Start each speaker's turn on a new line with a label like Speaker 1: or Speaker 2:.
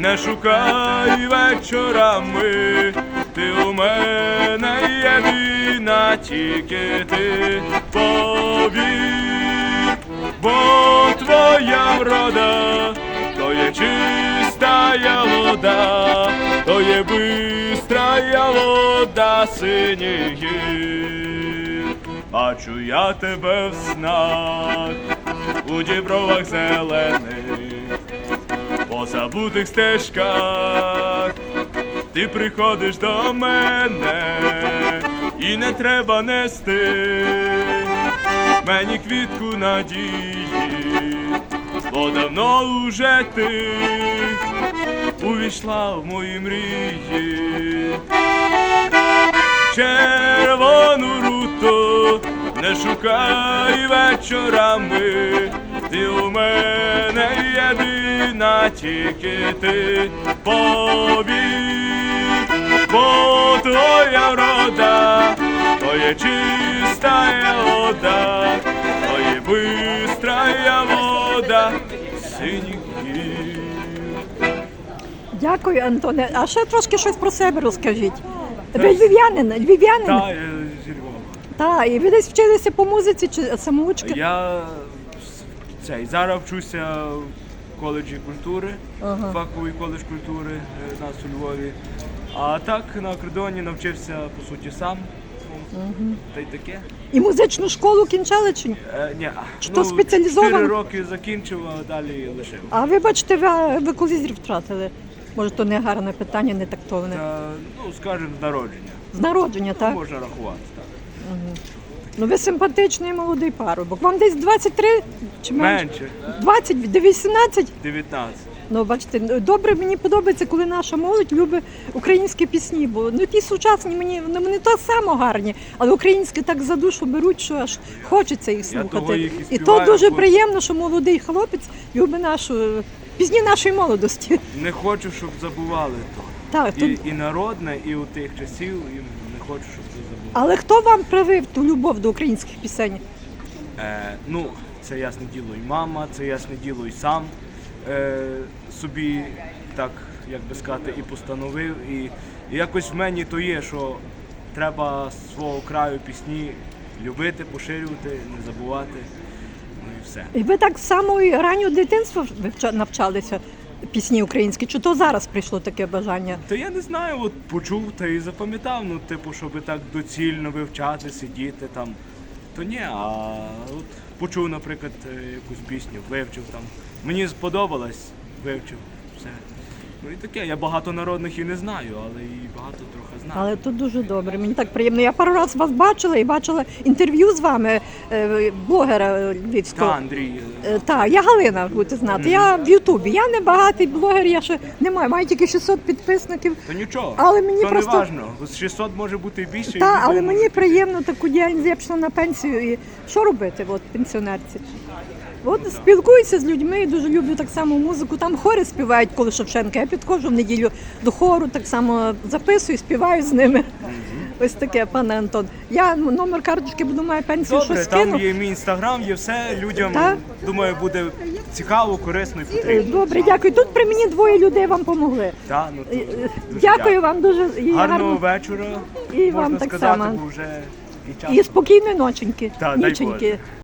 Speaker 1: Не шукай вечорами, ти у мене єдина, тільки ти повір, бо твоя врода, то є чистая вода, то є бистрая вода синіх гір. Бачу я тебе в снах, у дібровах зелених, по забутих стежках ти приходиш до мене, і не треба нести мені квітку надії, бо давно уже ти увійшла в мої мрії. Червону руту не шукай вечорами, ти у мене єдина, тільки ти повір, бо твоя врода, то є чистая вода, то є бистрая вода синіх гір.
Speaker 2: Дякую, Антоне. А ще трошки щось про себе розкажіть. Ви львів'янин? Львів'янин?
Speaker 1: Так, я зі Львова.
Speaker 2: Так, і ви десь вчилися по музиці чи самоучки?
Speaker 1: Я зараз вчуся в коледжі культури, фаховий коледж культури у нас у Львові. А так на акордеоні навчився по суті сам. Та й таке.
Speaker 2: І музичну школу кінчали чи ні?
Speaker 1: Ні.
Speaker 2: Чи то спеціалізовано?
Speaker 1: 4 роки закінчив, а далі лишив.
Speaker 2: А ви бачите, ви коли зір втратили? Може, то не гарне питання, не тактовне.
Speaker 1: Скажімо, з народження.
Speaker 2: З народження, так?
Speaker 1: Можна рахувати, так.
Speaker 2: Ну ви симпатичний молодий парубок. Вам десь 23 чи менше?
Speaker 1: Менше.
Speaker 2: 20, до 18?
Speaker 1: 19.
Speaker 2: Ну, бачите, добре, мені подобається, коли наша молодь любить українські пісні, бо ті сучасні вони не то само гарні, але українські так за душу беруть, що аж хочеться їх слухати. І то дуже приємно, що молодий хлопець любить пісні нашої молодості.
Speaker 1: Не хочу, щоб забували то.
Speaker 2: Так,
Speaker 1: І народне, і у тих часів, і не хочу, щоб це забували.
Speaker 2: Але хто вам привив ту любов до українських пісень?
Speaker 1: Це ясне діло і мама, це ясне діло і сам собі, так, як би сказати, і постановив. І якось в мені то є, що треба з свого краю пісні любити, поширювати, не забувати, ну і все.
Speaker 2: І ви так з самого раннього дитинства навчалися пісні українські? Чи то зараз прийшло таке бажання?
Speaker 1: Та я не знаю, от почув та і запам'ятав, щоб так доцільно вивчати, сидіти там, то ні, а от почув, наприклад, якусь пісню, вивчив там. Мені сподобалось, вивчив, все. Ну і таке, я багато народних і не знаю, але і багато трохи знаю.
Speaker 2: Але тут дуже добре, мені так приємно. Я пару разів вас бачила і бачила інтерв'ю з вами, блогера львівського.
Speaker 1: Так, Андрій.
Speaker 2: Так, я Галина, будете знати. Я в Ютубі. Я не багатий блогер, я ще не маю тільки 600 підписників.
Speaker 1: То нічого,
Speaker 2: але мені
Speaker 1: то
Speaker 2: просто...
Speaker 1: не важно. 600 може бути і більше.
Speaker 2: Так, але мені приємно таку діяльність, я пішла на пенсію і що робити, пенсіонерці? Спілкуюся з людьми, дуже люблю так само музику. Там хори співають, коли Шевченка. Я підходжу в неділю до хору, так само записую, співаю з ними. Ось таке, пане Антон. Я номер карточки буду, маю пенсію,
Speaker 1: добре,
Speaker 2: що скину.
Speaker 1: Там є мій інстаграм, є все. Людям, думаю, буде цікаво, корисно і потрібно.
Speaker 2: Добре, дякую. Тут при мені 2 людей вам помогли.
Speaker 1: Так,
Speaker 2: дякую вам дуже.
Speaker 1: Гарного вечора.
Speaker 2: І вам так само.
Speaker 1: Вже і час.
Speaker 2: І спокійної ноченьки.
Speaker 1: Так, дай Боже.